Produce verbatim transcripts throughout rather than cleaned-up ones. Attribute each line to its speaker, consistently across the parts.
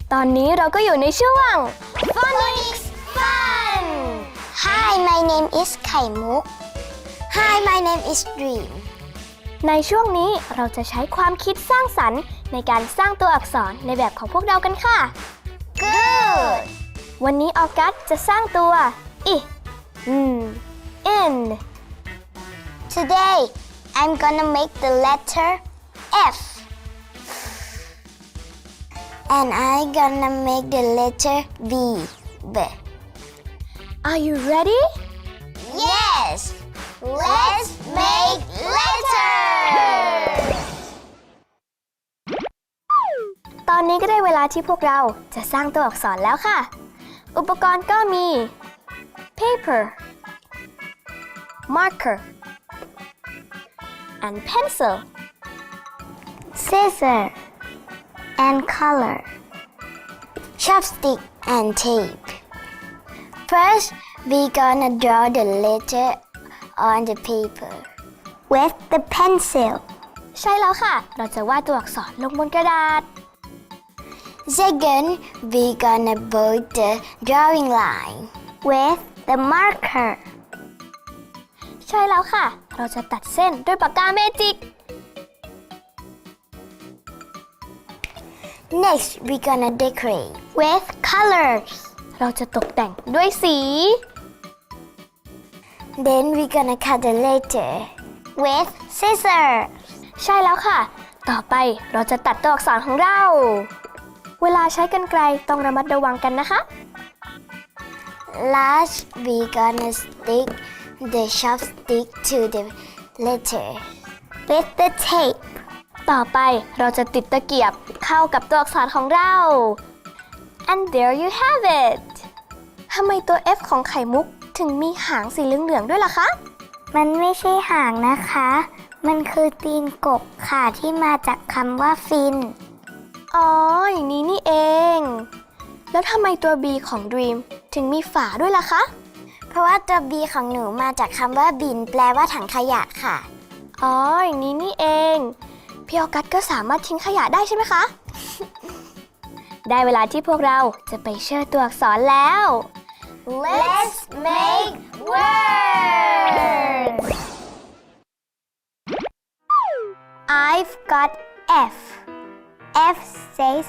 Speaker 1: ตอนนี้เราก็อยู่ในช่วง Phonics Fun
Speaker 2: Hi my name is ไข่มุก Hi my name is Dream
Speaker 1: ในช่วงนี้เราจะใช้ความคิดสร้างสรรค์ในการสร้างตัวอักษรในแบบของพวกเรากันค่ะ
Speaker 2: Good
Speaker 1: วันนี้ออกัสจะสร้างตัวอิอืม in
Speaker 2: Today I'm gonna make the letter F and I'm gonna make the letter B B
Speaker 1: Are you ready?
Speaker 2: Yes Let's make letters
Speaker 1: ตอนนี้ก็ได้เวลาที่พวกเราจะสร้างตัวอักษรแล้วค่ะ อุปกรณ์ก็มี paper marker and pencil
Speaker 2: Scissor and color chopstick and tape First we gonna draw the letter on the paper with the pencil
Speaker 1: ใช่แล้วค่ะ เราจะวาดตัวอักษรลงบนกระดาษ
Speaker 2: Second we gonna bold the drawing line with the marker
Speaker 1: ใช่แล้วค่ะ เราจะตัดเส้นด้วยปากกาเมจิก
Speaker 2: Next we gonna decorate with colors
Speaker 1: เราจะตกแต่งด้วยสี
Speaker 2: Then we gonna cut the letter with scissors
Speaker 1: ใช่แล้วค่ะ ต่อไปเราจะตัดตัวอักษรของเรา เวลาใช้กรรไกรต้องระมัดระวังกันนะคะ
Speaker 2: Last we gonna stick the chopstick to the letter with the tape
Speaker 1: ต่อไปเราจะติดตะเกียบเข้ากับตัวอักษรของเรา and there you have it ทำไมตัว F ของไข่มุกถึงมีหางสีเหลืองๆด้วยล่ะคะ
Speaker 2: มันไม่ใช่หางนะคะ มันคือตีนกบค่ะที่มาจากคำว่าฟิน
Speaker 1: อ๋อ อย่างนี้นี่เอง แล้วทำไมตัว B ของ Dream ถึงมีฝาด้วยล่ะคะ
Speaker 2: เพราะว่าตัว B ของหนูมาจากคำว่าบินแปลว่าถังขยะค่ะ
Speaker 1: อ๋อ อย่างนี้นี่เอง พี่ออกัสก็สามารถทิ้งขยะได้ใช่ไหมคะ ได้เวลาที่พวกเราจะไปเชื่อตัวอักษรแล้ว
Speaker 2: Let's make words I've got F F says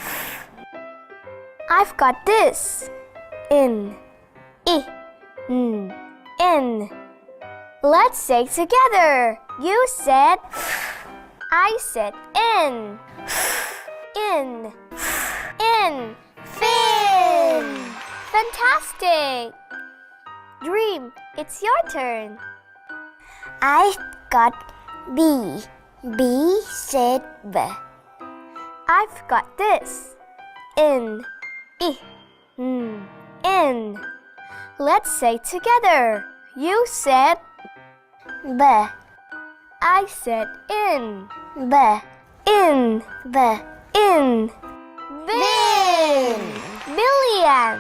Speaker 1: I've got this in I mm, in Let's say together You said I said in in in fin Fantastic Dream it's your turn
Speaker 2: I've got B B said B
Speaker 1: I've got this in I mm, in Let's say together You said
Speaker 2: B
Speaker 1: I said in
Speaker 2: B
Speaker 1: in
Speaker 2: B
Speaker 1: in
Speaker 2: bin
Speaker 1: billion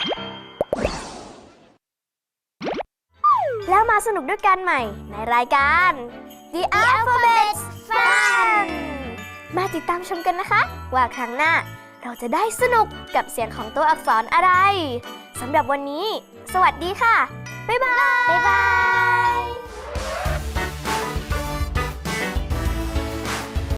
Speaker 1: แล้วมาสนุกด้วยกันใหม่ในรายการ The Alphabet Fun มาติดตามชมกันนะคะ ว่าครั้งหน้าเราจะได้สนุกกับเสียงของตัวอักษรอะไรสำหรับวันนี้ สวัสดีค่ะ บ๊ายบาย
Speaker 2: บ๊ายบาย